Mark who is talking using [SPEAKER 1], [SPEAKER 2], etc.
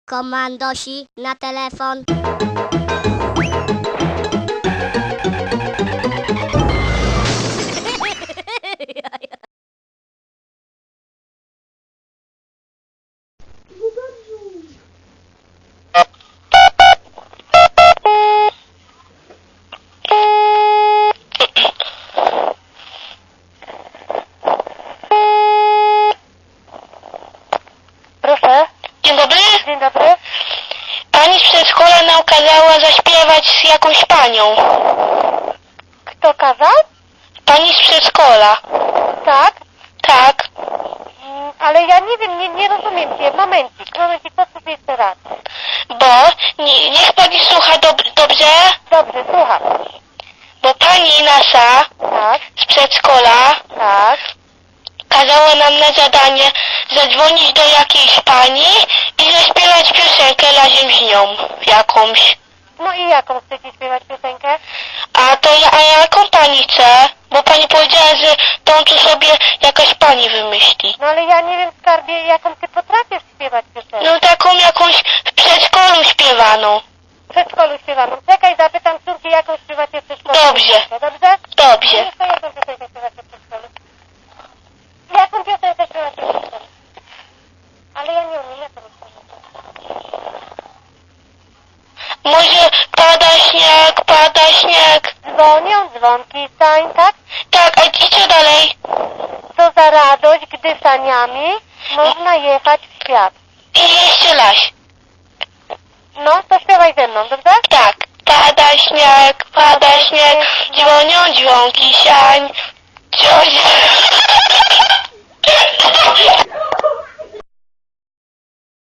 [SPEAKER 1] Komandosi na telefon.
[SPEAKER 2] Proszę.
[SPEAKER 3] Dzień dobry.
[SPEAKER 2] Dzień dobry.
[SPEAKER 3] Pani z przedszkola nam kazała zaśpiewać z jakąś panią.
[SPEAKER 2] Kto kazał?
[SPEAKER 3] Pani z przedszkola.
[SPEAKER 2] Tak.
[SPEAKER 3] Tak.
[SPEAKER 2] Ale ja nie wiem, nie rozumiem cię. Momencik, powtórz jeszcze raz.
[SPEAKER 3] Bo niech pani słucha dobrze,
[SPEAKER 2] Dobrze, słucham.
[SPEAKER 3] bo pani nasza
[SPEAKER 2] Tak,
[SPEAKER 3] z przedszkola
[SPEAKER 2] tak.
[SPEAKER 3] kazała nam na zadanie zadzwonić do jakiejś pani i zaśpiewać piosenkę razem z nią jakąś.
[SPEAKER 2] No i jaką chcecie śpiewać piosenkę?
[SPEAKER 3] A jaką pani chce? Bo pani powiedziała, że tą tu sobie jakaś pani wymyśli.
[SPEAKER 2] No ale ja nie wiem, skarbie, jaką ty potrafisz śpiewać piosenkę.
[SPEAKER 3] No taką jakąś w przedszkolu śpiewaną.
[SPEAKER 2] W przedszkolu śpiewaną. Czekaj, zapytam córki, jaką śpiewacie w przedszkolu.
[SPEAKER 3] Dobrze.
[SPEAKER 2] Piosenkę, dobrze?
[SPEAKER 3] Dobrze.
[SPEAKER 2] No to jaką piosenkę śpiewacie w przedszkolu? Jaką piosenkę śpiewacie w przedszkolu? Ale ja nie umiem, jaką piosenkę.
[SPEAKER 3] Może pada śnieg.
[SPEAKER 2] Dzwonią dzwonki stań, tak?
[SPEAKER 3] Tak, a i co dalej?
[SPEAKER 2] Co za radość, gdy saniami można jechać w świat.
[SPEAKER 3] I jeszcze raz.
[SPEAKER 2] No, to śpiewaj ze mną, dobrze?
[SPEAKER 3] Tak. Pada śnieg, dzwonią dzwonki siań. Coś...